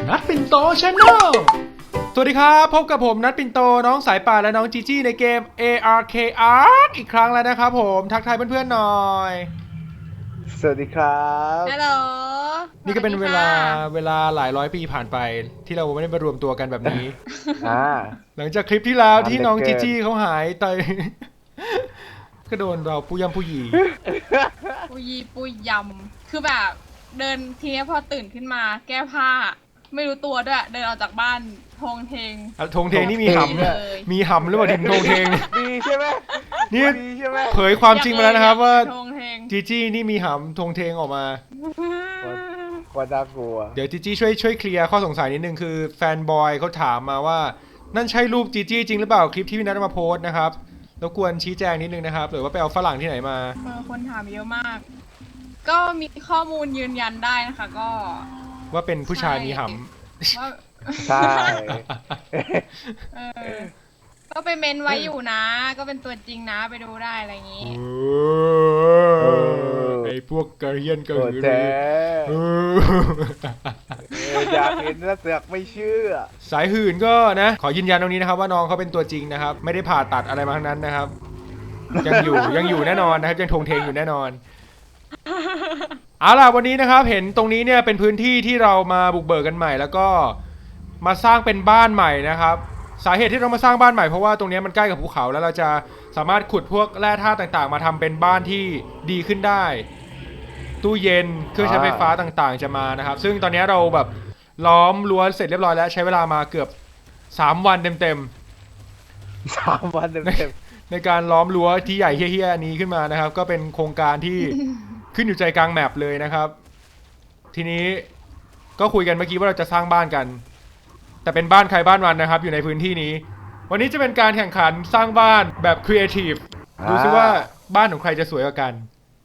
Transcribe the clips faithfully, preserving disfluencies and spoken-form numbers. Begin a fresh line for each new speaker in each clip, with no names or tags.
นัดปิ่นโตชาแนลสวัสดีครับพบกับผมนัดปิ่นโตน้องสายป่านและน้องจีจี้ในเกม เอ อาร์ เค Ark อีกครั้งแล้วนะครับผมทักทายเพื่อนๆหน่อย
สวัสดีครับ
ฮัลโหล
นี่ก็เป็นเวลาเวลาหลายร้อยปีผ่านไปที่เราไม่ได้มารวมตัวกันแบบนี้
อ่า
หลังจากคลิปที่แล้วที่น้อง
นานเหลื
จี
อเกิน
จี้เขาหายไป ก็โดนเราปุยำปุยี
ปุยปุยยำคือแบบเดินทีนี้พอตื่นขึ้นมา แก้ผ้า ไม่รู้ตัวด้วย เดินออกจากบ้านโทงเทง
อ่ะธงเทงนี่มีหำ
เลย
มีหำหรือเปล่าดินธงเทง
ดีใช่ไหม
นี่
ดีใช่ไหม
เผยความจริงมาแล้วนะครับว่า
โทงเทง
จีจี้นี่มีหำธงเทงออกมา
ว่าน่ากลัว
เดี๋ยวจีจี้ช่วยช่วยเคลียร์ข้อสงสัยนิดนึงคือแฟนบอยเขาถามมาว่านั่นใช่รูปจีจี้จริงหรือเปล่าคลิปที่พี่นัทเอามาโพสต์นะครับรบกวนชี้แจงนิดนึงนะครับหรือว่าไปเอาฝรั่งที่ไหนมา
เออคนถามเยอะมาก ก็มีข้อมูลยืนยันได้นะคะ ก็
ว่าเป็นผู้ชายมีห
ว่า
ใช่
เออ ก็ไปเมนไว้อยู่นะ ก็เป็นตัวจริงนะไปดูได้อะไรอย่าง
ำ
นี้
โอ้ไอพวกกระเฮียนกระ
โอ้
หือ
แจ๊
เออ
เอออยากเห็นแล้วเสือกไม่เชื่อ
สายหื่นก็นะขอยืนยันตรงนี้นะครับว่าน้องเขาเป็นตัวจริงนะครับ ไม่ได้ผ่าตัดอะไรมาทั้งนั้นนะครับ ยังอยู่ยังอยู่แน่นอนนะครับยังทงเทงอยู่แน่นอน เอาล่ะวันนี้นะครับเห็นตรงนี้เนี่ยเป็นพื้นที่ที่เรามาบุกเบิกกันใหม่ แล้วก็มาสร้างเป็นบ้านใหม่นะครับสาเหตุที่เรามาสร้างบ้านใหม่เพราะว่าตรงนี้มันใกล้กับภูเขาแล้วเราจะสามารถขุดพวกแร่ธาตุต่างๆ มาทำเป็นบ้านที่ดีขึ้นได้ ตู้เย็นเครื่องใช้ไฟฟ้าต่างๆ จะมานะครับ ซึ่งตอนนี้เราแบบล้อมรั้วเสร็จเรียบร้อยแล้วใช้เวลามาเกือบสามวันเต็มๆ
สามวันเต็ม
ในการล้อมรั้วที่ใหญ่เฮี้ยๆนี้ขึ้นมานะครับ ก็เป็นโครงการที่ ขึ้นอยู่ใจกลางแมปเลยนะครับ ทีนี้ก็คุยกันเมื่อกี้ว่าเราจะสร้างบ้านกัน แต่เป็นบ้านใครบ้านมันนะครับ อยู่ในพื้นที่นี้ วันนี้จะเป็นการแข่งขันสร้างบ้านแบบครีเอทีฟดูซิว่าบ้านของใครจะสวยกว่ากัน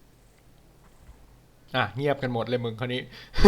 อ่ะเงียบกันหมดเลยมึงคนนี้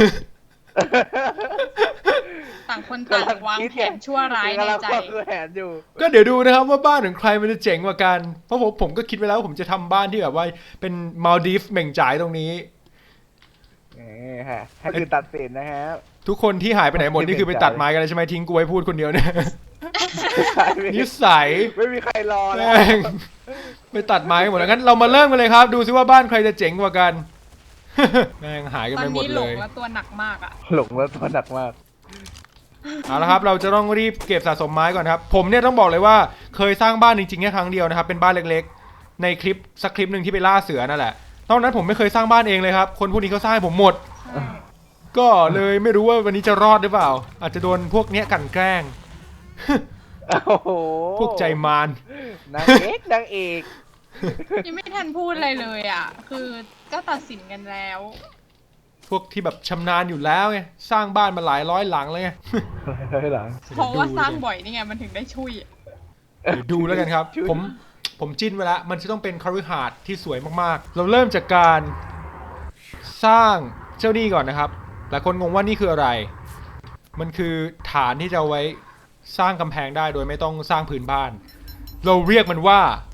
ต่างคนต่างวางแผนชั่วร้ายในใจ
กำลังวางแผนอยู่
ก็เดี๋ยวดูนะครับว่าบ้านของใครมันจะเจ๋งกว่ากัน เพราะผมผมก็คิดไว้แล้วว่าผมจะทำบ้านที่แบบว่าเป็นมาลดีฟเหม่งจ่ายตรงนี้
นี่ฮะให้คือตัดสินนะครับ
ทุกคนที่หายไปไหนหมดนี่คือไปตัดไม้กันเลยใช่ไหมทิ้งกูไว้พูดคนเดียวเนี่ย นิสัย
ไม่มีใครรอแล้ว
แม่งไปตัดไม้กันหมดแล้วงั้นเรามาเริ่มกันเลยครับ ดูซิว่าบ้านใครจะเจ๋งกว่ากัน แม่งหายกัน
ตอ
ไป
น
หมด
นี้หล
เล
ง
ย
แล้วตัวหนักมากอ่ะ
หลงแล้วตัวหนักมาก
เอาละครับเราจะต้องรีบเก็บสะสมไม้ก่อนครับผมเนี่ยต้องบอกเลยว่าเคยสร้างบ้านจริงๆแค่ครั้งเดียวนะครับเป็นบ้านเล็กๆในคลิปสักคลิปหนึ่งที่ไปล่าเสือนั่นแหละตอนนั้นผมไม่เคยสร้างบ้านเองเลยครับคนพวกนี้เขาสร้างให้ผมหมด
ใช่
ก็เลยไม่รู้ว่าวันนี้จะรอดหรือเปล่า อาจจะโดนพวกเนี้ยกลั่นแกล้ง
โอ้โห
พวกใจมาร
นางเอกนางเอก
ยังไม่ทันพูดอะไรเลยอ่ะ คือก็ตัดสินกันแล้ว
พวกที่แบบชำนาญอยู่แล้วไงสร้างบ้านมาหลายร้อยหลังเลยไง
เฮ้ยหลัง
เพราะว่าสร้างบ่อยนี่ไงมันถึงได้ช่วย
เดี๋ยวดูแล้วกันครับ
ชุด
ผมผมจิ้นไว้แล้วมันจะต้องเป็นคฤหาสน์ที่สวยมากๆ เราเริ่มจากการสร้างเจ้านี่ก่อนนะครับหลายคนงงว่านี่คืออะไร มันคือฐานที่จะเอาไว้สร้างกำแพงได้โดยไม่ต้องสร้างพื้นบ้าน เราเรียกมันว่า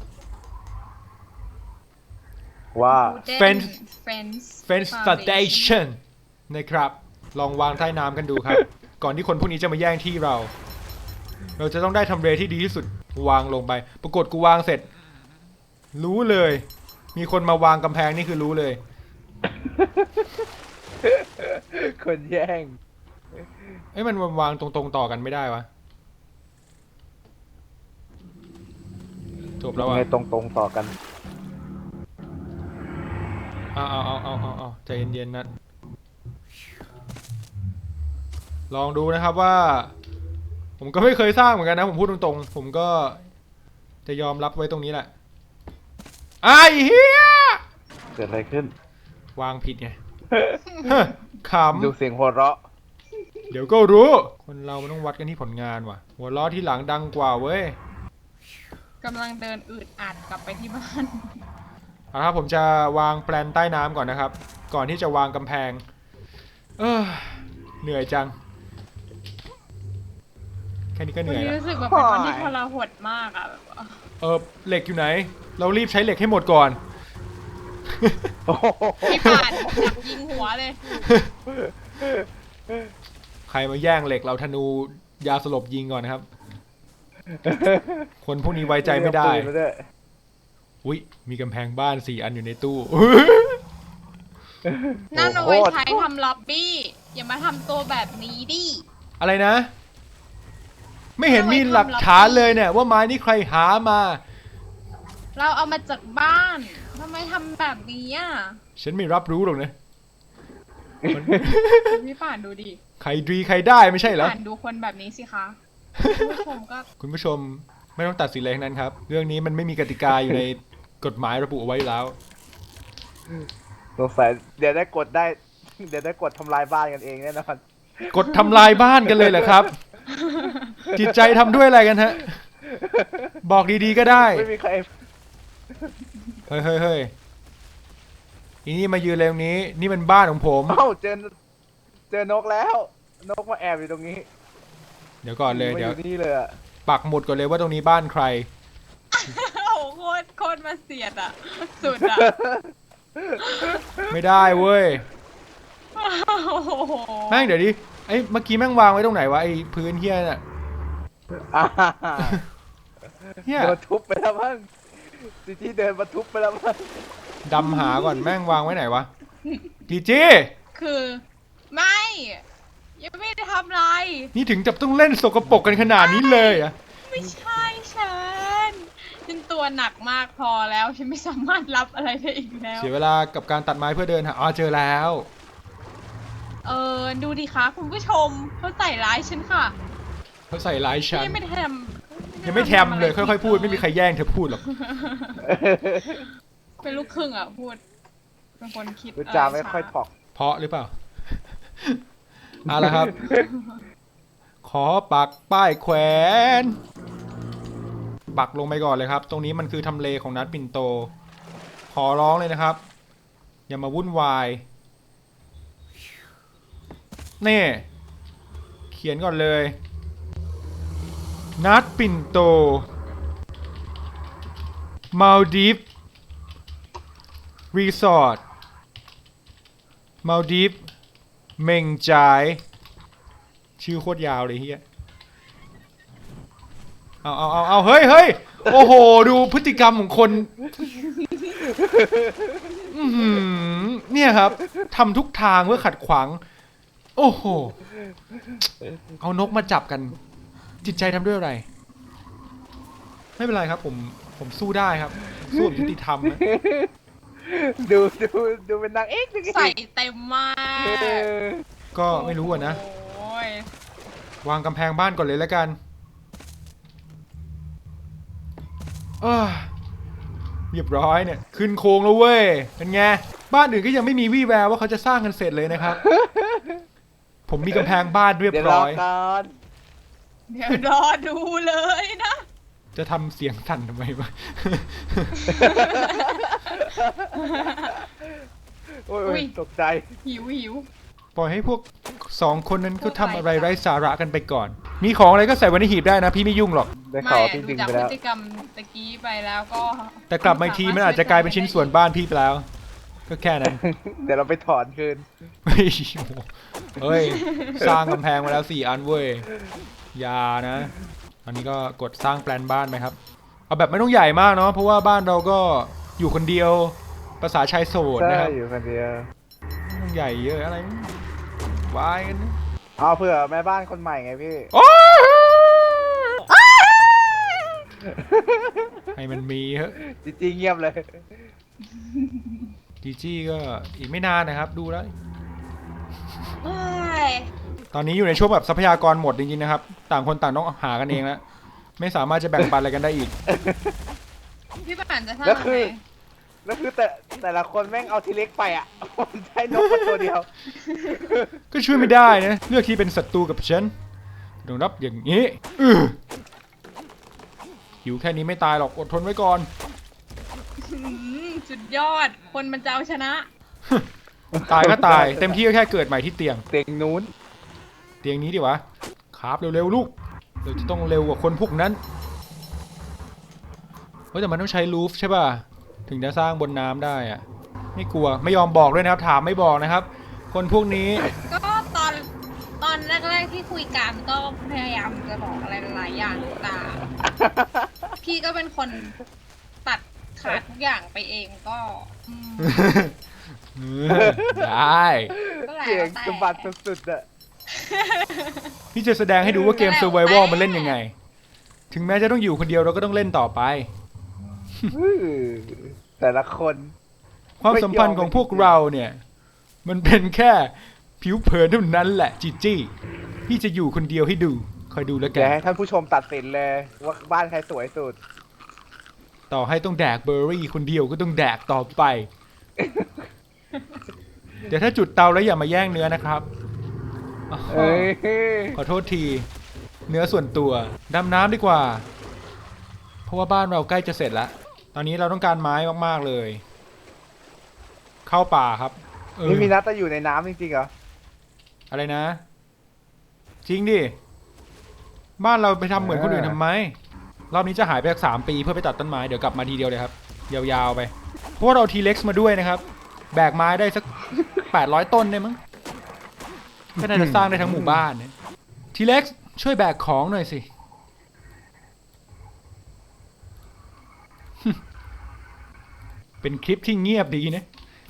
ว่า
Fence
Fence
Fence Foundation นะครับลองวางใต้น้ำกันดูครับ ก่อนที่คนพวกนี้จะมาแย่งที่เรา เราจะต้องได้ทำเลที่ดีที่สุดวางลงไป ปรากฏกูวางเสร็จ รู้เลย มีคนมาวางกำแพงนี่คือรู้เลย
คนแย่ง
เอ้ยมันวางตรงๆต่อกันไม่ได้วะจบแล้วอ่ะ
ไงตรงๆต่อกัน
เอาเอาเอาเอาเอาเอาใจเย็นๆนะลองดูนะครับว่า ผมก็ไม่เคยสร้างเหมือนกันนะผมพูดตรงๆผมก็จะยอมรับไว้ตรงนี้แหละไอ้เฮีย
เกิดอะไรขึ้น
วางผิดไง ข
ดูเสียงหัวเราะ
ำเดี๋ยวก็รู้ คนเรามันต้องวัดกันที่ผลงานว่ะ หัวล้อที่หลังดังกว่าเว้ย
กำลังเดินอืดอัดกลับไปที่บ้าน
เอาละครับผมจะวางแปลนใต้น้ำก่อนนะครับ ก่อนที่จะวางกำแพง เออเหนื่อยจัง แค่นี้ก็เห
วัน
นื่อย
นี้
แล้ว
รู้สึกแบบเป็นวันที่ทรหดมากอ่ะแบบว่า
เออเหล็กอยู่ไหน เรารีบใช้เหล็กให้หมดก่อน
โอ้โห
พี่ป่านอยากยิงหัวเลย
ใครรมาแย่งเหล็กเราธนูยาสลบยิงก่อนนะครับ คนพวกนี้ไว้ใจไม่ได้
เอาปืนาวย
อุ้ยมีกำแพงบ้านสี่อันอยู่ในตู้
นั่นเอาไว้ใช้ทำล็อบบี้ อย่ามาทำตัวแบบนี้ดิ
อะไรนะ ไม่เห็นมีหลักฐานเลยเนี่ยว่าไม้นี่ใครหามา
เราเอามาจากบ้านทำไมทำแบบนี้อ่ะ
ฉันไม่รับรู้หรอกนะ
พี่ป่านดูดิ
ใครดีใครได้ไม่ใช่เหรอ
ป่านดูคนแบบนี้สิคะคุณผู้ชมก็
คุณผู้ชมไม่ต้องตัดสินอะไรทั้งนั้นครับ เรื่องนี้มันไม่มีกติกาอยู่ในกฎหมายระบุเอาไว้อยู่แล้ว
สงสัยเดี๋ยวได้กดได้ เดี๋ยวได้กดทำลายบ้านกันเองแน่นอน
กดทำลายบ้านกันเลยเหรอครับ จิตใจทำด้วยอะไรกันฮะ บอกดีๆก็ได้
ไม่มีใคร
เฮ้ยเฮ้ยเฮ้ยอีนี่มายืนเลยตรงนี้ นี่มันบ้านของผม
เอ้าเจอเจอนกแล้ว นกมาแอบอยู่ตรงนี้
เดี๋ยวก่อนเลย
มา
เดี๋ยว
นี่เลยอะ
ปักหมุดก่อนเลยว่าตรงนี้บ้านใคร
โอ้โหโคตรโคตรมาเสียดอ่ะ สุดอ่ะ
ไม่ได้เว้ย
โอ้โห
แม่งเดี๋ยวดิไอ้เมื่อกี้แม่งวางไว้ตรงไหนวะไอ้พื้นเฮียน่ะ
อ่า
เฮีย
โดนทุบไปแล้วมั้งจีจี้เดินมาทุบไปแล้วมั้ง
ดำหาก่อนแม่งวางไว้ไหนวะจีจี
คือไม่ ยังไม่ได้ทำอะไร
นี่ถึงจะต้องเล่นสกปรกกันขนาดนี้เลยเหรอะ
ไม่ใช่ฉันฉันตัวหนักมากพอแล้ว ฉันไม่สามารถรับอะไรได้อีกแล้ว
เสียเวลากับการตัดไม้เพื่อเดินหาอ๋อเจอแล้ว
เออ ดูดิคะคุณผู้ชมเขาใส่ร้ายฉันค่ะ
เขาใส่ร้ายฉัน
ยังไม่ได้ทำ
ยังไม่แทมเลยค่อยๆพูดไม่มีใครแย่งเธอพูดหรอก
เป็นลูกครึ่งอ่ะพูด เป็นคนคิด
พูดจาไม่ค่อยถอก
เพราะหรือเปล่า เอาละครับ ขอปักป้ายแขวน ปักลงไปก่อนเลยครับ ตรงนี้มันคือทำเลของนัดปิ่นโต ขอร้องเลยนะครับ อย่ามาวุ่นวาย นี่ เขียนก่อนเลย นัดปิ่นโต มาลดีฟ รีสอร์ท มาลดีฟ เมงจาย ชื่อโคตรยาวเลยเฮียเอาเอาเอาเอาเฮ้ยเฮ้ยโอ้โห ดูพฤติกรรมของคนอื้อหือเนี่ยครับทำทุกทางเพื่อขัดขวาง โอ้โห เอานกมาจับกัน จิตใจทำด้วยอะไร ไม่เป็นไรครับ ผม ผมสู้ได้ครับ สู้แบบยุติธรรมนะ
ดูดูดูเป็นนางเอกจริงๆ
ใส่เต็มมาก
เออ
ก็ไม่รู้อะนะ
โอ้ยว
างกำแพงบ้านก่อนเลยแล้วกันเออเรียบร้อยเนี่ย ขึ้นโค้งแล้วเว้ย เป็นไง บ้านอื่นก็ยังไม่มีวี่แววว่าเขาจะสร้างกันเสร็จเลยนะครับ ผมมีกำแพงบ้านเรียบ
เดี๋ยวร
ร้
อ
อย
ก่อน
เดี๋ยวรอดูเลยนะ
จะทำเสียงสั่นทำไมวะ
โอ้ย
อุ๊
โอ้
ย
ยตกใจ
หิวหิว
ปล่อยให้พวกสองคนนั้นเขาทำอะไรไร้สาระกันไปก่อน มีของอะไรก็ใส่ไว้ในหีบได้นะ พี่ไม่ยุ่งหรอก
ได้
ไม่
ข่าวว่า
อะ
พี่
ดู
ดึง
จาก
ไป
พฤ
แล้ว
ติกรรมตะกี้ไปแล้วก็
แต่กลับมาอีกทีมันอาจจะกลายเป็นชิ้นส่วนบ้านพี่ไปแล้ว ก็แค่นั้น
เดี๋ยวเราไปถอนคืน
เฮ้ยโอ้โหเฮ้ย สร้างกำแพงมาแล้วสี่อันเว้ยอยานะ อันนี้ก็กดสร้างแปลนบ้านไปครับ เอาแบบไม่ต้องใหญ่มากเนาะ เพราะว่าบ้านเราก็อยู่คนเดียว ภาษาชายโสด
ใช่
นะครับ
อยู่คนเดียว
ไม่ต้องใหญ่เยอะอะไรวายกันนะ
เอาเผื่อแม่บ้านคนใหม่ไงพี่
โอ้ยให้มันมีเฮ้ย
จริงๆเงียบเลย
จีจี้ก็อีกไม่นานนะครับ ดูแล้ว
เอ้ย
ตอนนี้อยู่ในช่วงแบบทรัพยากรหมดจริงๆนะครับ ต่างคนต่างต้องหากันเองแล้ว ไม่สามารถจะแบ่งปันอะไรกันได้อีก
พี่ป่านจะทำ
แล้ว
อะ
คื
ไร
อ แล้วคือแต่แต่ละคนแม่งเอาทีเล็กไปอ่ะ ผมใช้นกมาตัวเดียว
ก็ช่วยไม่ได้นะ เลือกที่เป็นศัตรูกับฉันต้องรับอย่างนี้อื้อหิวแค่นี้ไม่ตายหรอกอดทนไว้ก่อน
หืมสุดยอด คนมันจะเอาชนะ
ตายก็ตาย เต็มที่ก็แค่เกิดใหม่ที่เตียง
เตียงนู้น
เตียงนี้ดิวะครับเร็วๆลูกเราจะต้องเร็วกว่าคนพวกนั้นเฮ้ยแต่มันต้องใช้รูฟใช่ป่ะถึงจะสร้างบนน้ำได้อะไม่กลัวไม่ยอมบอกด้วยนะครับ ถามไม่บอกนะครับ คนพวกนี้
ก็ตอนตอนอนแรกๆที่คุยกันก็พยายามจะบอกอะไรหลายๆอย่างแต่พี่ก็เป็นคนตัดขาดทุกอย่างไปเองก็อืม
ได้
ก็แล้ว
เก่ง
แต่
สะบัดสุดๆอะ
พี่จะแสดงให้ดูว่าเกม Survival มันเล่นยังไง ถึงแม้จะต้องอยู่คนเดียวเราก็ต้องเล่นต่อไป
อื้อแต่ละคน
ความสัมพันธ์ของพวกเราเนี่ย มันเป็นแค่ผิวเผินเท่านั้นแหละจีจี้พี่จะอยู่คนเดียวให้ดูคอยดูแล้วกั
เดี๋ยวน ให้ท่านผู้ชมตัดสินเลยว่าบ้านใครสวยสุด
ต่อให้ต้องแดกเบอร์รี่คนเดียวก็ต้องแดกต่อไป เดี๋ยวถ้าจุดเตาแล้วอย่ามาแย่งเนื้อนะครับอ๋อ
เอ้ย
ขอโทษที เนื้อส่วนตัวดำน้ำดีกว่า เพราะว่าบ้านเราใกล้จะเสร็จแล้ว ตอนนี้เราต้องการไม้มากๆเลย เข้าป่าครับเออ
นี่มีนัดจะอยู่ในน้ำจริงๆเหรอ
อะไรนะ จริงดิ บ้านเราไปทำเหมือนคนอื่นทำไม รอบนี้จะหายไปสักสามปีเพื่อไปตัดต้นไม้ เดี๋ยวกลับมาทีเดียวเลยครับ ยาวๆไป เพราะว่าเราทีเล็กซ์มาด้วยนะครับ แบกไม้ได้สักแปดร้อยต้นได้มั้งก็น่าจะสร้างได้ทั้งหมู่บ้านเนี่ยทีเล็กซ์ช่วยแบกของหน่อยสิ เป็นคลิปที่เงียบดีนะ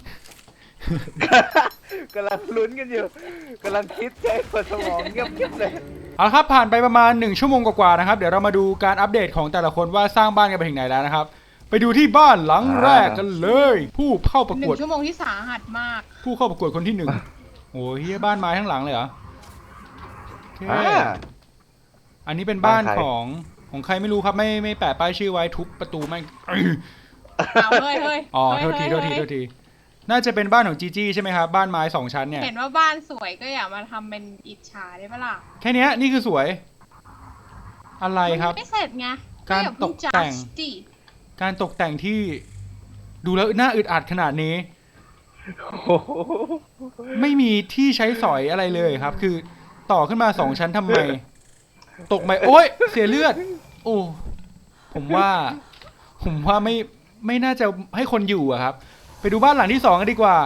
กำลังลุ้นกันอยู่กำลังคิดใจปวดสมองเงียบๆเลย
เอาละครับผ่านไปประมาณหนึ่งชั่วโมงกว่าๆนะครับเดี๋ยวเรามาดูการอัปเดตของแต่ละคนว่าสร้างบ้านกันไปถึงไหนแล้วนะครับ ไปดูที่บ้านหลังแรกกันเลย ผู้เข้าประ
ห
ก
นึ่
วด
งชั่วโมงที่สาหัสมาก
ผู้เข้าประกวดคนที่หนึ่งโอ้ยเหี้ยบ้านไม้ทั้งหลังเลยเหรอโอเค
อ่า
อันนี้เป็นบ้าน
บ้านใคร
ของของใครไม่รู้ครับไม่ไม่แปะป้ายชื่อไว้ทุบประตูแม่ง
เอาเฮ้ยเฮ้ย
อ๋อ
เฮ้ย
โทษที
เฮ้
โทษที
ยเฮ้ย
โทษทีน่าจะเป็นบ้านของจีจี้ใช่ไหมครับบ้านไม้สองชั้นเนี่ย
เห็นว่าบ้านสวยก็อย่ามาทำเป็นอิจฉาได้ปะล่ะ
แค่เนี้ยนี่คือสวย อะไรครับ
มันไม่เสร็จไง
การ
อย่เพิ่ง
ตกแต่ง
judge ดิ
การตกแต่งที่ดูแล้วน่าอึดอัดขนาดนี้
โอ้โห
ไม่มีที่ใช้สอยอะไรเลยครับ คือต่อขึ้นมาสองชั้นทำไม ตกไปโอ๊ยเสียเลือด โอ้ผมว่า ผมว่าไม่ไม่น่าจะให้คนอยู่อะครับ ไปดูบ้านหลังที่สองกันดีกว่า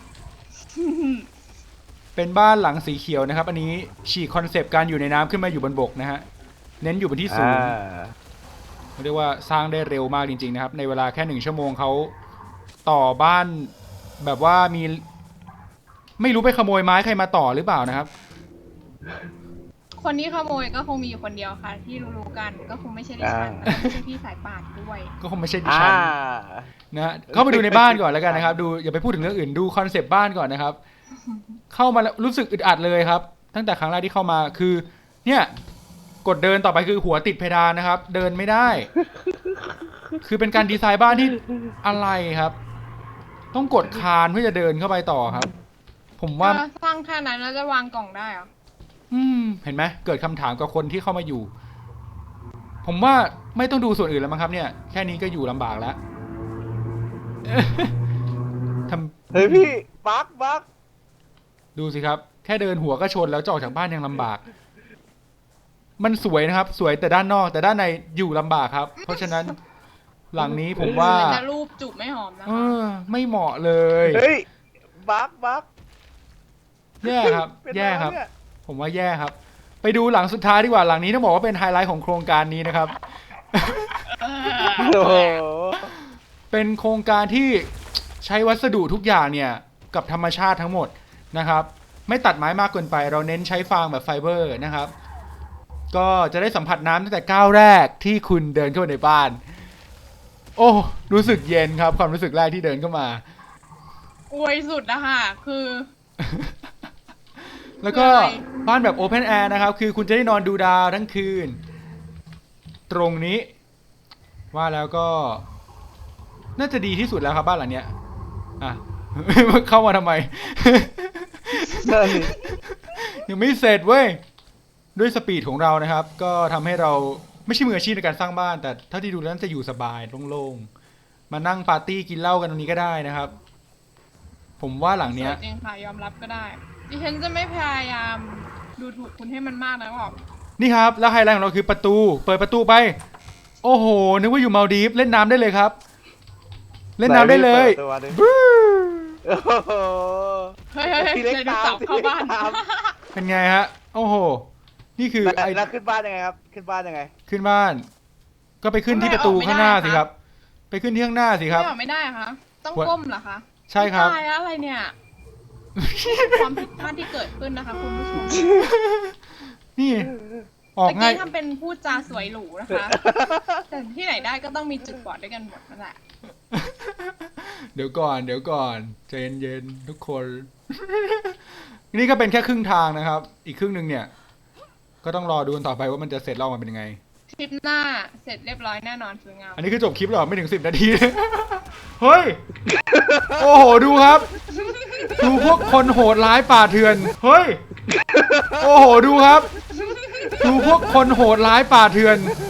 เป็นบ้านหลังสีเขียวนะครับ อันนี้ฉีกคอนเซปต์การอยู่ในน้ำขึ้นมาอยู่บนบกนะฮะเน้นอยู่บนที่สู
อ่าง
เรียกว่าสร้างได้เร็วมากจริงๆนะครับ ในเวลาแค่หนึ่งชั่วโมงเขาต่อบ้านแบบว่ามี ไม่รู้ไปขโมยไม้ใครมาต่อหรือเปล่านะครับ
คนที่ขโมยก็คงมีอยู่คนเดียวค่ะ ที่รู้ๆกันก็คงไม่ใช่ดิฉันแล้วก็ไม่ใช่พี่สายป่านด้วย
ก็คงไม่ใช่ดิ
อ่า
ฉันนะฮะเข้าไปดูในบ้านก่อนแล้วกันนะครับ ดูอย่าไปพูดถึงเรื่องอื่นดูคอนเซปต์บ้านก่อนนะครับ เข้ามาแล้วรู้สึกอึดอัดเลยครับ ตั้งแต่ครั้งแรกที่เข้ามาคือ เนี่ย กดเดินต่อไปคือหัวติดเพดานนะครับ เดินไม่ได้ คือเป็นการดีไซน์บ้านที่อะไรครับ ต้องกดคานเพื่อจะเดินเข้าไปต่อครับ ผมว่า
ก็สร้างแค่นั้นแล้วจะวางกล่องได้เหรอ
อืม เห็นไหมเกิดคำถามกับคนที่เข้ามาอยู่ ผมว่าไม่ต้องดูส่วนอื่นแล้วมั้งครับเนี่ย แค่นี้ก็อยู่ลำบากแล้ว ทำ
เฮ้ยพี่บักบัก
ดูสิครับ แค่เดินหัวก็ชนแล้วจะออกจากบ้านยังลำบาก มันสวยนะครับ สวยแต่ด้านนอก แต่ด้านในอยู่ลำบากครับ เพราะฉะนั้น หลังนี้ผมว่า
มันจะรูปจูบไม่หอมนะ
เอ
คะ
อ ไม่เหมาะเลย
เฮ้ยบักบัก
แย่ครับ
เป็น
แย่ครับ
ไงเนี่ย
ผมว่าแย่ครับ ไปดูหลังสุดท้ายดีกว่าหลังนี้ต้องบอกว่าเป็นไฮไลท์ของโครงการนี้นะครับ
โอ้โห
เป็นโครงการที่ใช้วัสดุทุกอย่างเนี่ยกับธรรมชาติทั้งหมดนะครับ ไม่ตัดไม้มากเกินไป เราเน้นใช้ฟางแบบไฟเบอร์นะครับ ก็จะได้สัมผัสน้ำตั้งแต่ก้าวแรกที่คุณเดินเข้ามาในบ้าน โอ้รู้สึกเย็นครับ ความรู้สึกแรกที่เดินเข้ามา
อวยสุดนะคะคือ
แล้วก็
คืออะไร
บ้านแบบโอเพนแอร์นะครับ คือคุณจะได้นอนดูดาวทั้งคืน ตรงนี้ ว่าแล้วก็ น่าจะดีที่สุดแล้วครับบ้านหลังเนี้ยอ่ะ เข้ามาทำไม
นั่นดิ
ยังไม่เสร็จเว้ย ด้วยสปีดของเรานะครับ ก็ทำให้เราไม่ใช่มืออาชีพในการสร้างบ้าน แต่เท่าที่ดูแล้วน่าจะอยู่สบายโล่งๆ มานั่งปาร์ตี้กินเหล้ากันตรงนี้ก็ได้นะครับ ผมว่าหลัง
ส
เนี้
วย ยจริงค่ะยอมรับก็ได้ ดิฉันจะไม่พยายามดูถูกคุณให้มันมากนะหรอก
นี่ครับ แล้วไฮไลท์ของเราคือประตู เปิดประตูไป โอ้โห นึกว่าอยู่มาลดีฟเล่นน้ำได้เลยครับ เล่นน้ำได้เลย
ปิตัวดิ
บรู๊
โอ้โห
เฮ้ยเฮ้ยเฮ้ย
ทีเล็ก
เลยดู
ตาม
สับเข้าบ้าน
ทีเล็กตาม
เป็นไงฮะโอ้โหนี่คือ
แล้ว
ไอ้
แล้วขึ้นบ้านยังไงครับ ขึ้นบ้านยังไง
ขึ้นบ้าน ก็ไปขึ้นที่ประตูข้างหน้าสิครับ ไปขึ้นที่ข้างหน้าสิครับ
ไม่ออกไม่ได้เหรอคะต้องก้มเหรอคะ
ใช่ครับ
ตายแล้วอะไรเนี่ยความผิดพลาดที่เกิดขึ้นนะคะคุณผู้ชม
นี่ออก
เมื่อ
ง่าย
กี้ทำเป็นพูดจาสวยหรูนะคะ แต่ที่ไหนได้ก็ต้องมีจุดบอดด้วยกันหมดนั่นแหละ
เดี๋ยวก่อน เดี๋ยวก่อนใจเย็นๆทุกคน นี่ก็เป็นแค่ครึ่งทางนะครับ อีกครึ่งหนึ่งเนี่ย ก็ต้องรอดูกันต่อไปว่ามันจะเสร็จแล้วออกมาเป็นยังไง
คลิปหน้าเสร็จเรียบร้อยแน่นอนสวยงาม
อันนี้คือจบคลิปหรอไม่ถึงสิบนาที เฮ้ย โอ้โห ดูครับ ดูพวกคนโหดร้ายป่าเถื่อน เฮ้ย โอ้โห ดูครับ ดูพวกคนโหดร้ายป่าเถื่อน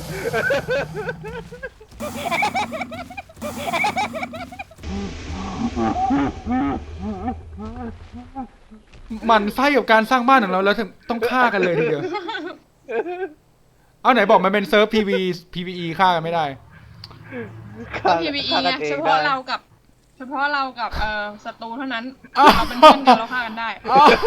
หมันไส้กับการสร้างบ้านของเราแล้วต้องฆ่ากันเลยทีเดียว เอาไหนบอกมันเป็นเซิร์ฟ พี วี พี วี อี ฆ่ากันไม่ได้
ก็ พี วี อี
ฆ่า
ไง
กันอง
เฉ
ได้
พาะเรากับ เฉพาะเรากับเอ่อศัตรูเท่านั้น
อ้าว
เราเป็นเพื่อนกันเราฆ่ากันได้
อ้าว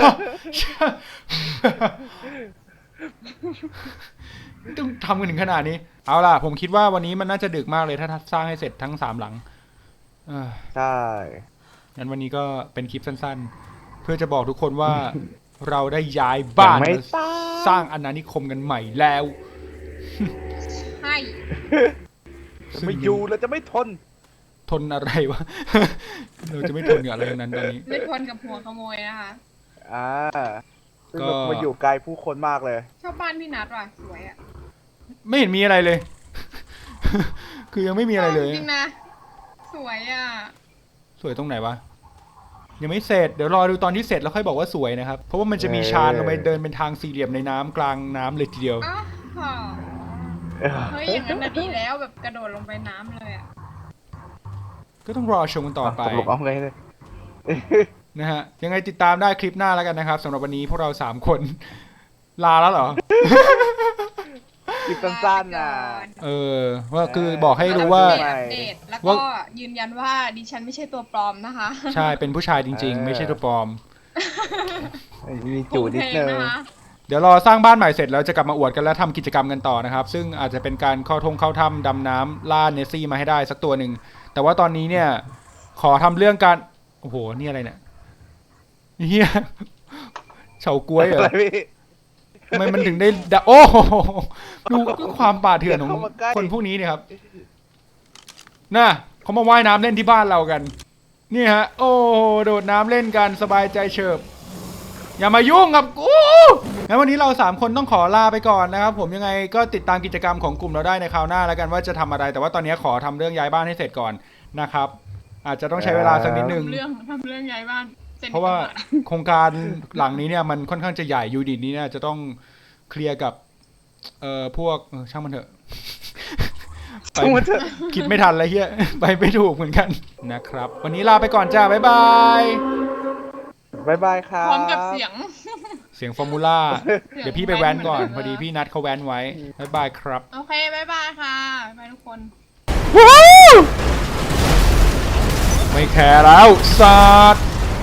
ต้องทำกันถึงขนาดนี้ เอาล่ะ ผมคิดว่าวันนี้มันน่าจะดึกมากเลยถ้าสร้างให้เสร็จทั้งสามหลังเอ้อ
ใช่
งั้นวันนี้ก็เป็นคลิปสั้นๆ เพื่อจะบอกทุกคนว่า เราได้ย้ายบ้าน
ยังไม่
มา
ตาย
สร้างอาณานิคมกันใหม่แล้ว
ใช่
จะไม่อยู่เราจะไม่ทน
ทนอะไรวะ เราจะไม่ทนกับอะไรทั้งนั้นตอนนี้
ไม่ทนกับหัวขโมยนะคะ
อ่าซึ่ง
ก็
แบบมาอยู่ไกลผู้คนมากเลย
ชอบบ้านพี่นัทว่ะสวยอ่ะ
ไม่เห็นมีอะไรเลย คือยังไม่มีอะไรเลย
จริงๆนะ สวยอ่ะ
สวยตรงไหนวะ ยังไม่เสร็จ เดี๋ยวรอดูตอนที่เสร็จแล้วค่อยบอกว่าสวยนะครับ เพราะว่ามันจะมีชานลงไปเดินเป็นทางสี่เหลี่ยมในน้ำกลางน้ำเลยทีเดียว
อ้าวเฮ้ยอย่างนั้นน่ะดีแล้วแบบกระโดดลงไปน้ำเลยอ่ะ
ก็ต้องรอชมกันต่อไป
ตกลงเอาไงเลย
นะฮะ ยังไงติดตามได้คลิปหน้าแล้วกันนะครับสำหรับวันนี้พวกเราสามคน ลาแล้วเหรอ
คลิปสั้นๆนะ
เออ ว่าคือบอกให้รู้ว่า
อัปเดตอัปเดตแล้วก็
ว่า
ยืนยันว่าดิฉันไม่ใช่ตัวปลอมนะคะ
ใช่ เป็นผู้ชายจริง ๆ ไม่ใช่ตัวปลอม
มีจูดนิดนึง
โอเคนะคะ
เดี๋ยวรอสร้างบ้านใหม่เสร็จแล้วจะกลับมาอวดกันแล้วทำกิจกรรมกันต่อนะครับ ซึ่งอาจจะเป็นการเข้าทงเข้าถ้ำดำน้ำล่าเนสซี่มาให้ได้สักตัวหนึ่ง แต่ว่าตอนนี้เนี่ย ขอทำเรื่องการ โอ้โห นี่อะไรเนี่ยเฮียเฉาก๊วยเหรอ
อะไรพี่
ทำไมมันถึงได้ดะโอ้โหดูความป่าเถื่อนของ
อย่าเข้ามาใกล้
คนพวกนี้เนี่ยครับ น่ะเขามาว่ายน้ำเล่นที่บ้านเรากัน นี่ฮะ โอ้โหโดดน้ำเล่นกันสบายใจเฉิบ อย่ามายุ่งกับกูงั้นวันนี้เราสามคนต้องขอลาไปก่อนนะครับ ผมยังไงก็ติดตามกิจกรรมของกลุ่มเราได้ในคราวหน้าแล้วกันว่าจะทำอะไร แต่ว่าตอนนี้ขอทำเรื่องย้ายบ้านให้เสร็จก่อนนะครับ อาจจะต้องใช้เวลาสักนิดนึง
ทำเรื่องทำเรื่องย้ายบ้านซ็น
เพราะว่า
อกสร
โครงการหลังนี้เนี่ยมันค่อนข้างจะใหญ่ยูนิตนี้เนี่ยจะต้องเคลียร์กับ เอ่อพวกเออช่างมันเถอะ ไป
ช่างมันเถอะ
คิดไม่ทันเลยเฮียไปไม่ถูกเหมือนกันนะครับ วันนี้ลาไปก่อนจ้าบ๊ายบาย
บายบายครับ
พร้อมกับเสียง
เสียงฟอร์มูล่า
เสียง
เดี๋ยวพี่ไปแว้นก่อน
แว้นเห
พ
มื
อ
อนเดิม
ดีพี่นัดเขาแว้นไว้บ๊ายบายครับ
โอเคบายบายค่ะบ๊ายบายทุกคน
ไม่แคร์แล้วสัตว์